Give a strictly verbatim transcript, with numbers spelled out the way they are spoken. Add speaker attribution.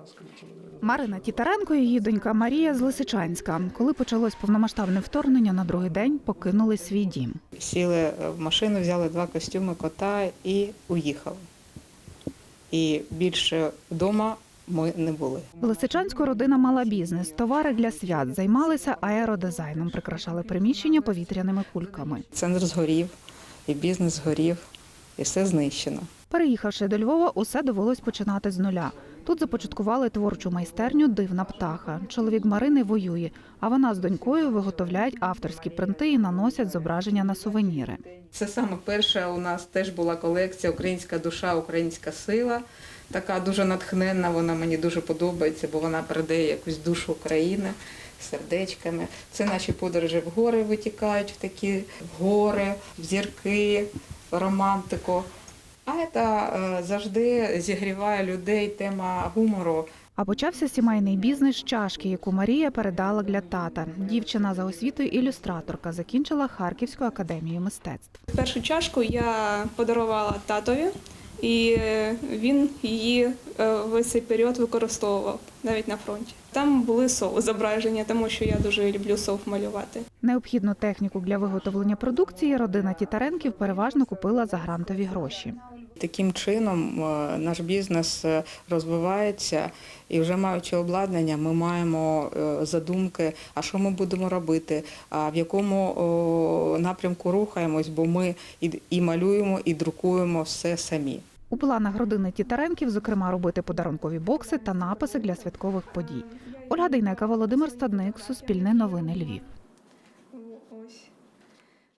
Speaker 1: Марина Тітаренко і її донька Марія з Лисичанська. Коли почалось повномасштабне вторгнення, на другий день покинули свій дім.
Speaker 2: Сіли в машину, взяли два костюми кота і уїхали. І більше вдома ми не були.
Speaker 1: В Лисичанську родина мала бізнес. Товари для свят. Займалися аеродизайном, прикрашали приміщення повітряними кульками.
Speaker 2: Центр згорів, і бізнес згорів, і все знищено.
Speaker 1: Переїхавши до Львова, усе довелось починати з нуля. Тут започаткували творчу майстерню «Дивна птаха». Чоловік Марини воює, а вона з донькою виготовляють авторські принти і наносять зображення на сувеніри.
Speaker 2: Це саме перша у нас теж була колекція «Українська душа, українська сила». Така дуже натхненна, вона мені дуже подобається, бо вона передає якусь душу України сердечками. Це наші подорожі в гори витікають, в такі в гори, в зірки, в романтику. А це завжди зігріває людей тема гумору.
Speaker 1: А почався сімейний бізнес з чашки, яку Марія передала для тата. Дівчина за освітою ілюстраторка, закінчила Харківську академію мистецтв.
Speaker 3: Першу чашку я подарувала татові, і він її весь цей період використовував, навіть на фронті. Там були сов зображення, тому що я дуже люблю сов малювати.
Speaker 1: Необхідну техніку для виготовлення продукції родина Тітаренків переважно купила за грантові гроші.
Speaker 2: Таким чином наш бізнес розвивається і вже маючи обладнання, ми маємо задумки, а що ми будемо робити, а в якому напрямку рухаємось, бо ми і малюємо, і друкуємо все самі.
Speaker 1: У планах родини Тітаренків, зокрема, робити подарункові бокси та написи для святкових подій. Ольга Дейнека, Володимир Стадник, Суспільне новини, Львів.